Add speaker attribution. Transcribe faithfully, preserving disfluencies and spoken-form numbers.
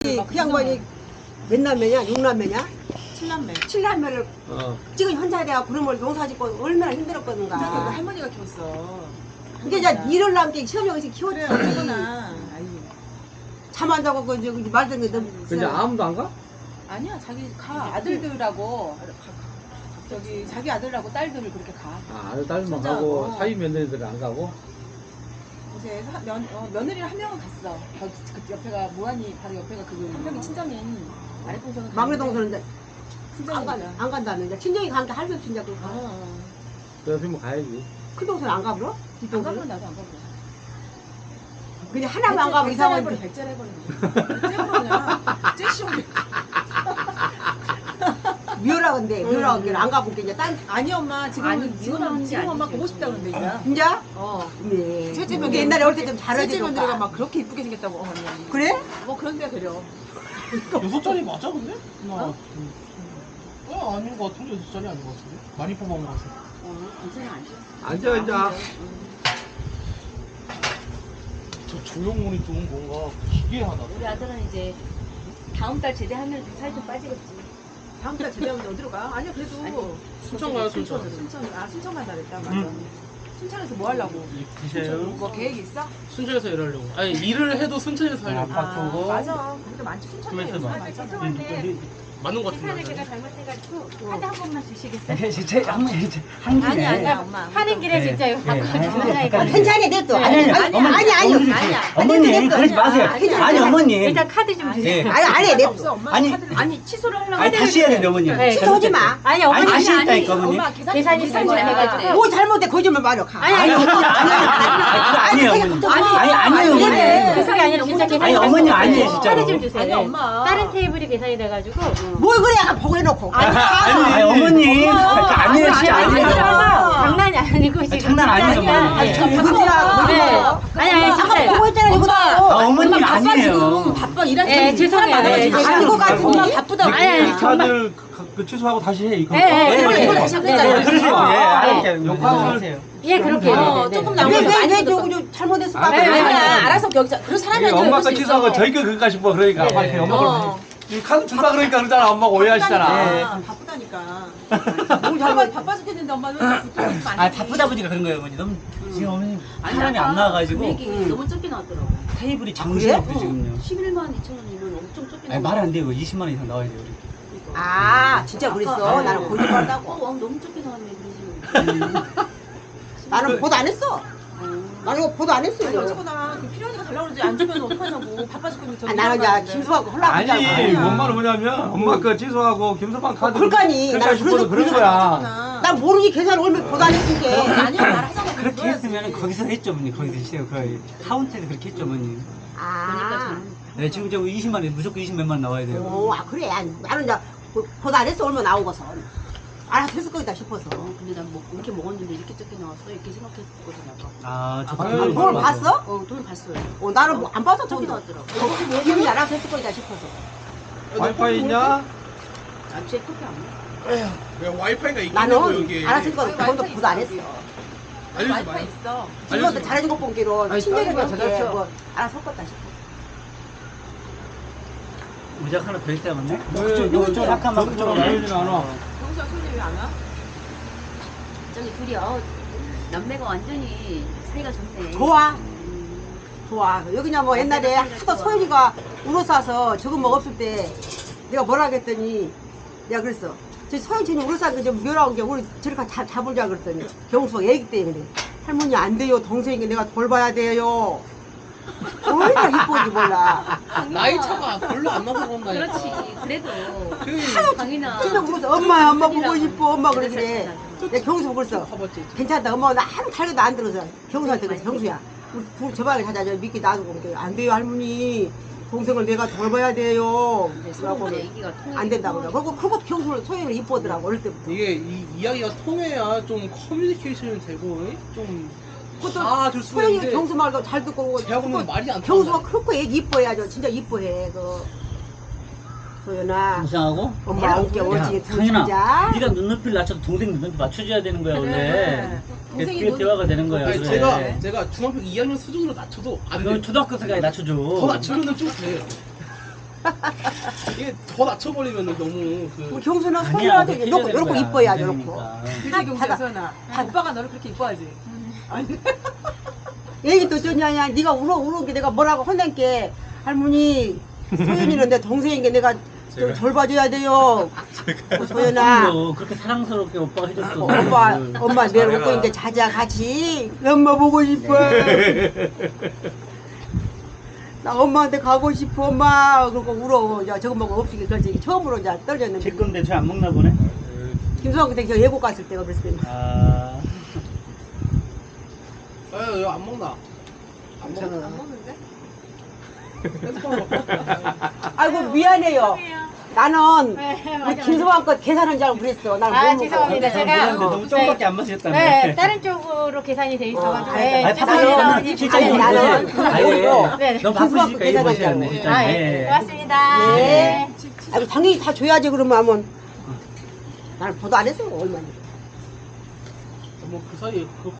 Speaker 1: 그 양반이 몇 남매냐? 육 남매냐?
Speaker 2: 칠남매.
Speaker 1: 칠 남매를
Speaker 3: 어.
Speaker 1: 지금 현자에 내가 그놈을 농사 짓고 얼마나
Speaker 2: 근데
Speaker 1: 힘들었거든가.
Speaker 2: 할머니가 키웠어.
Speaker 1: 그게 이제 일을 남게 시험이 여기서 키웠지.
Speaker 2: 그러나 아니
Speaker 1: 잠 안 자고 그 저기 말 듣는 게 너무
Speaker 3: 근데 아무도 안 가?
Speaker 2: 아니야 자기 가 아들들하고 저기 자기 아들하고 딸들을 그렇게 가.
Speaker 3: 아, 아들 딸만
Speaker 2: 진짜,
Speaker 3: 가고
Speaker 2: 어.
Speaker 3: 사위 며느리들은 안 가고?
Speaker 2: 이제 사- 면, 어, 며느리를 한 명은 갔어. 그, 그 옆에가 모한이 바로 옆에가 그 한 명이 친정인 아래 동생은
Speaker 1: 막내 동생은 이제 안,
Speaker 2: 친정이니까.
Speaker 1: 간, 안 간다는 데 친정이 가는데 할수 없이 이제 그
Speaker 2: 어, 어.
Speaker 3: 그 옆에 뭐 가야지.
Speaker 1: 큰 동생은 안 가버려?
Speaker 2: 안
Speaker 1: 뒷동생은?
Speaker 2: 가면 나도 안 가버려.
Speaker 1: 그냥 하나만 안 가면 이상한
Speaker 2: 백제를 백제를 해버리는 거야. 그냥 째시오게.
Speaker 1: 미워라 근데 미워라 근데 안 가보게 이제 딴
Speaker 2: 아니 엄마 지금
Speaker 4: 아니,
Speaker 2: 지금
Speaker 4: 미워하는 게
Speaker 2: 지금 엄마
Speaker 4: 아니지.
Speaker 2: 보고 싶다 그러는데 이제.
Speaker 1: 진짜?
Speaker 2: 어.
Speaker 1: 네.
Speaker 2: 셋째
Speaker 1: 근데
Speaker 2: 며느리
Speaker 1: 옛날에 올 때 좀
Speaker 2: 셋째
Speaker 1: 잘해주니까.
Speaker 2: 며느리가 막 그렇게 이쁘게 생겼다고 어머니.
Speaker 1: 그래?
Speaker 2: 뭐 그런 데가 그려.
Speaker 5: 여섯 짜리 맞아 근데? 나
Speaker 2: 어?
Speaker 5: 어? 아닌 것 같은데 여섯 짜리 아닌 것 같은데? 많이 뽑아온 것 같아.
Speaker 4: 어, 괜찮아, 앉아.
Speaker 3: 앉아, 앉아.
Speaker 5: 저 조형물이 좀 뭔가 기괴하다.
Speaker 4: 우리 아들은 이제 다음 달 제대하면 살 좀 빠지겠지.
Speaker 2: 다음 달 제대하면 어디로 가? 아니야 그래도
Speaker 4: 아니,
Speaker 5: 순천 가요 순천.
Speaker 2: 순천 아 순천 간다 그랬다 맞아.
Speaker 5: 응.
Speaker 2: 순천에서 뭐 하려고?
Speaker 5: 드세요.
Speaker 2: 뭐 계획 있어?
Speaker 5: 순천에서 일하려고. 아니 일을 해도 순천에서 하려고.
Speaker 2: 아 맞아. 거기도 많지 순천에.
Speaker 5: 그래서
Speaker 2: 요새
Speaker 5: 많아.
Speaker 2: 많잖아.
Speaker 4: 죄송한데
Speaker 5: 맞는 것
Speaker 4: 계산을
Speaker 5: 같은데.
Speaker 4: 제가 잘못해가지고 카드 한 번만 주시겠어요?
Speaker 6: 네, 진짜 한 번, 한
Speaker 2: 아니
Speaker 6: 김에.
Speaker 2: 아니야 엄마.
Speaker 4: 하는 길에
Speaker 6: 네.
Speaker 4: 진짜 이거 갖고
Speaker 6: 네.
Speaker 4: 주문하니까
Speaker 6: 아니,
Speaker 1: 괜찮아 냅둬.
Speaker 4: 네.
Speaker 1: 아니 아니
Speaker 6: 아니,
Speaker 1: 아니
Speaker 6: 어머니,
Speaker 1: 아니 아니
Speaker 6: 어머니,
Speaker 2: 아니야.
Speaker 6: 어머니, 그러지 마세요.
Speaker 2: 아니야.
Speaker 6: 아니, 어머니.
Speaker 4: 일단 카드 좀 주세요.
Speaker 6: 네.
Speaker 1: 아니 아니 냅둬.
Speaker 2: 없어 엄마.
Speaker 6: 아니,
Speaker 2: 카드를-
Speaker 4: 아니 취소를 하려고
Speaker 6: 아니, 다시 해야 되는데, 어머니.
Speaker 4: 네.
Speaker 1: 취소하지 마.
Speaker 4: 아니
Speaker 6: 아니,
Speaker 4: 어머니
Speaker 6: 다시
Speaker 4: 아니, 아니,
Speaker 6: 했다니까, 어머니.
Speaker 2: 엄마 계산이
Speaker 4: 계산이 잘못해가지고.
Speaker 1: 뭐 잘못해 거짓말 말려 가.
Speaker 4: 아니 아니
Speaker 6: 아니,
Speaker 4: 아니
Speaker 6: 아니에요, 어머니. 아니, 아니에요, 어머니.
Speaker 4: 아니 그게 아니라 진짜 계산이
Speaker 6: 아니, 어머니 아니에요,
Speaker 4: 잘못해서
Speaker 6: 진짜로.
Speaker 4: 카드 좀 주세요.
Speaker 2: 아니, 엄마.
Speaker 4: 다른 테이블이 계산이 돼가지고
Speaker 1: 뭘 그래 약간 보고 해놓고.
Speaker 6: 아니, 아니, 어머니.
Speaker 2: 엄마.
Speaker 6: 아니에요, 진짜
Speaker 4: 아니,
Speaker 6: 아니에요.
Speaker 4: 장난이 아니고 지금
Speaker 6: 장난 아니에요,
Speaker 4: 진짜
Speaker 6: 어머니.
Speaker 4: 아니,
Speaker 6: 네.
Speaker 4: 저
Speaker 1: 그거야,
Speaker 4: 바꿔. 네.
Speaker 1: 그거야.
Speaker 4: 아니 아니
Speaker 1: 아까
Speaker 4: 진짜
Speaker 1: 보고 했잖아 이거.
Speaker 6: 아, 어머니
Speaker 2: 엄마 바빠 지금
Speaker 6: 아니에요.
Speaker 2: 바빠 일하는
Speaker 4: 예,
Speaker 2: 사람이
Speaker 4: 죄송해요.
Speaker 2: 사람 많아가지고.
Speaker 4: 예,
Speaker 1: 아닌 것 같은데.
Speaker 2: 엄마 바쁘다고.
Speaker 4: 아니, 아니, 정말.
Speaker 5: 카드 그 취소하고 다시 해 이거.
Speaker 4: 예, 예,
Speaker 2: 이걸
Speaker 4: 예.
Speaker 2: 이걸 다시
Speaker 4: 네,
Speaker 2: 하겠다.
Speaker 4: 네.
Speaker 6: 그러세요. 예, 알았어요.
Speaker 5: 욕하고
Speaker 6: 하세요.
Speaker 4: 예 그렇게
Speaker 2: 어,
Speaker 4: 네, 네,
Speaker 2: 조금
Speaker 4: 네.
Speaker 2: 나오면 많이
Speaker 1: 왜왜
Speaker 2: 줬어.
Speaker 1: 저거 저 잘못했어?
Speaker 4: 네, 네,
Speaker 2: 아니야
Speaker 4: 네.
Speaker 2: 알아서 여기서 그런 사람이 아니라
Speaker 3: 엄마가
Speaker 2: 그럴 수
Speaker 3: 취소하고
Speaker 2: 있어.
Speaker 3: 저희가 그까 싶어 그러니까.
Speaker 6: 네.
Speaker 3: 빨리 엄마가
Speaker 2: 어.
Speaker 3: 이 카드 준다 그러니까 그러잖아. 엄마가 오해하시잖아.
Speaker 6: 네.
Speaker 2: 바쁘다니까. 뭘 바빠 바빠 죽겠는데 엄마는 부탁 좀
Speaker 6: 아, 바쁘다 보니까 그런 거예요, 어머니. 너무, 지금 어머니 사람이 안 나와가지고.
Speaker 4: 금액이 너무 적게 나왔더라고.
Speaker 6: 테이블이
Speaker 1: 그래?
Speaker 6: 정신없어, 지금요.
Speaker 4: 십일만 이천 원이면 엄청 적게 나와.
Speaker 6: 아니, 말이 안 돼요. 이십만 원 이상 나와야 돼요, 우리.
Speaker 1: 아 진짜 그랬어.
Speaker 4: 아까,
Speaker 1: 나는
Speaker 4: 어.
Speaker 1: 거짓말한다고.
Speaker 4: 어, 너무 적게 나왔네 그러지.
Speaker 1: 나는 보도 안 했어. 나는 이거 보도 안 했어.
Speaker 2: 아니
Speaker 1: 이거.
Speaker 2: 어쨌거나 그 필요하니까 달라고 그러지 안 주면 어떡하냐고 바빠 죽겠는데
Speaker 1: 아, 나는 이제 김수하고 헐라고
Speaker 3: 아니,
Speaker 1: 하잖아.
Speaker 3: 뭔 말은 뭐냐면 엄마 그 취소하고 김서방 카드
Speaker 1: 그러니까니.
Speaker 3: 그까
Speaker 1: 나는
Speaker 3: 싶어서
Speaker 1: 그래서
Speaker 3: 그런
Speaker 1: 그래서
Speaker 3: 거야.
Speaker 1: 난 모르니 계산 얼마 보도 안 했으니까.
Speaker 2: 아니야 말하자고
Speaker 6: 그렇게 했으면 거기서 했죠, 어머니. 거기서 했어요. 거의. 카운터에서 그렇게 했죠, 어머니.
Speaker 1: 아.
Speaker 6: 네, 지금 저 이십만 원, 무조건 이십몇 만 나와야 돼요.
Speaker 1: 오, 아 그래. 아니, 나는 이제 보- 보도 안 했어 얼마 나온 거서. 알아서 했을 거다 싶어서.
Speaker 4: 어, 근데 난 뭐, 이렇게 먹었는데 이렇게 적게 나왔어? 이렇게 생각했거든, 아까.
Speaker 6: 아, 저
Speaker 1: 아,
Speaker 3: 아유,
Speaker 1: 그걸
Speaker 3: 맞아.
Speaker 1: 봤어?
Speaker 4: 어, 돈을 봤어요.
Speaker 1: 어, 나는 뭐 안 봐서
Speaker 4: 적게
Speaker 1: 저기
Speaker 4: 나왔더라고.
Speaker 1: 기분이 알아서 했을 거다 싶어서.
Speaker 3: 와이파이 있냐?
Speaker 4: 아, 제 커피 안 먹어.
Speaker 5: 왜 와이파이가 있긴
Speaker 1: 나는 알아서 했을 거다. 그것도 보도 안 했어.
Speaker 5: 알려주지
Speaker 2: 와이파이
Speaker 5: 마요.
Speaker 2: 있어.
Speaker 1: 친구한테 잘해준 것 본기로
Speaker 3: 아니,
Speaker 1: 친절하게
Speaker 3: 다른 거
Speaker 1: 이렇게
Speaker 3: 찾았죠.
Speaker 1: 뭐 알아서 섞었다 싶어.
Speaker 6: 모자 하나 더 있다, 맞네?
Speaker 3: 왜,
Speaker 6: 그쪽,
Speaker 3: 너,
Speaker 6: 그쪽
Speaker 3: 저,
Speaker 6: 잠깐만,
Speaker 3: 저,
Speaker 6: 그쪽으로.
Speaker 3: 저 보이진 않아.
Speaker 2: 경수야 손님 왜안 와?
Speaker 4: 저기 둘이, 어, 남매가 완전히 사이가 좋네.
Speaker 1: 좋아.
Speaker 4: 음.
Speaker 1: 좋아. 여기냐 뭐 옛날에 하도 소연이가 우러싸서 저거 뭐 없을 때 내가 뭐라 그랬더니 내가 그랬어. 저 소연이는 우러싸 그좀 묘라운 게 우리 저렇게 잡, 잡으자 그랬더니 경수가 애기 때문에 할머니 안 돼요. 동생이 내가 돌봐야 돼요. 얼마나 이뻐지 몰라.
Speaker 5: 나이 차가 별로 안 나서 그런다.
Speaker 4: 그렇지. 그래도.
Speaker 5: 그
Speaker 4: 강인아.
Speaker 1: 진짜 울어서 엄마 엄마 보고 싶어 엄마 그러길래
Speaker 4: 그래.
Speaker 1: 내가 경수 그랬어.
Speaker 5: 봐봤지.
Speaker 1: 괜찮다 엄마 나 아무 탈게도 안 들어서 경수한테 그래서 경수야 우리 둘 저방에 가자 저 미끼 놔두고 그래. 안 돼요 할머니 동생을 내가 돌봐야 돼요 라고
Speaker 4: 서로 얘기가 통해.
Speaker 1: 안 된다고 그래. 그리고 그거 경수를 소연을 이뻐더라고 어릴 때부터.
Speaker 5: 이게 이 이야기가 통해야 좀 커뮤니케이션이 되고 좀
Speaker 1: 그것도
Speaker 5: 다줄 수
Speaker 1: 소연이가
Speaker 5: 있는데
Speaker 1: 경수 말도 잘 듣고
Speaker 5: 제하고는
Speaker 1: 그거
Speaker 5: 말이 안
Speaker 1: 경수가
Speaker 5: 통한다.
Speaker 1: 그렇고 애기 이뻐해야죠 진짜 이뻐해 그 소연아
Speaker 6: 이상하고?
Speaker 1: 엄마 어깨
Speaker 6: 야,
Speaker 1: 어찌게
Speaker 6: 상인아,
Speaker 1: 둘자
Speaker 6: 네가 눈높이를 낮춰도 동생 눈높이 맞춰줘야 되는 거야, 원래.
Speaker 2: 그래.
Speaker 6: 그게,
Speaker 2: 동생이
Speaker 6: 그게
Speaker 2: 눈-
Speaker 6: 대화가 되는 거야.
Speaker 5: 아니,
Speaker 6: 그래.
Speaker 5: 제가 제가 중학교 이 학년 수준으로 낮춰도 안
Speaker 6: 너
Speaker 5: 돼.
Speaker 6: 초등학교 생각에 낮춰줘.
Speaker 5: 더 낮추면은 좀 돼. 이게 더 낮춰버리면 너무 그
Speaker 1: 우리 경수는
Speaker 6: 아니야,
Speaker 1: 소연한테
Speaker 6: 그렇게
Speaker 1: 요렇게
Speaker 6: 해야
Speaker 1: 요렇게
Speaker 6: 되는
Speaker 1: 이뻐야
Speaker 6: 거야.
Speaker 1: 요렇게.
Speaker 6: 그러니까.
Speaker 2: 그치 경수야
Speaker 1: 받아.
Speaker 2: 소연아. 오빠가 너를 그렇게 이뻐하지. 아니
Speaker 1: 얘기 또 전냐냐 네가 울어 울어 게 내가 뭐라고 혼낸게 할머니 소연이는 내 동생인 게 내가 좀 절 봐줘야 돼요. 어, 소연아.
Speaker 6: 그럼요. 그렇게 사랑스럽게 오빠가 해줬어.
Speaker 1: 어, 엄마, 엄마 내일 올 거니까 자자 같이 엄마 보고 싶어. 나 엄마한테 가고 싶어 엄마. 그러고 울어. 야 저거 먹고 없이 그렇지 처음으로 이제
Speaker 6: 제
Speaker 1: 떨어졌는데.
Speaker 6: 건데 저 안 먹나 보네.
Speaker 1: 김수환 그때 저 예고 갔을 때가 그랬을 때.
Speaker 6: 아.
Speaker 5: 에이 안 먹나? 안 먹나?
Speaker 2: 안 먹는데?
Speaker 1: 아이고 미안해요. 나는
Speaker 7: 네,
Speaker 1: 우리
Speaker 7: 맞아,
Speaker 1: 김수환 거 계산한 줄 알고 그랬어. 난
Speaker 7: 아,
Speaker 1: 모르고.
Speaker 7: 죄송합니다.
Speaker 6: 근데
Speaker 7: 제가
Speaker 6: 너무 조금밖에 안 마셨다며.
Speaker 7: 네, 다른 쪽으로 계산이 돼 있어가지고.
Speaker 1: 어,
Speaker 7: 네,
Speaker 1: 아니,
Speaker 7: 죄송합니다.
Speaker 6: 아니, 실장님
Speaker 1: 아니, 나는
Speaker 6: 보세요. 아예.
Speaker 7: 네,
Speaker 6: 너무
Speaker 1: 김수환
Speaker 6: 바쁘시니까
Speaker 1: 거
Speaker 6: 일
Speaker 1: 계산한
Speaker 6: 보셔야네,
Speaker 1: 줄
Speaker 6: 실장님.
Speaker 7: 아, 예,
Speaker 6: 예.
Speaker 7: 고맙습니다.
Speaker 1: 네.
Speaker 7: 네.
Speaker 1: 아이고 당연히 다 줘야지 그러면 하면. 나는 보도 안 했어 얼마나.
Speaker 5: 뭐 그 사이에 그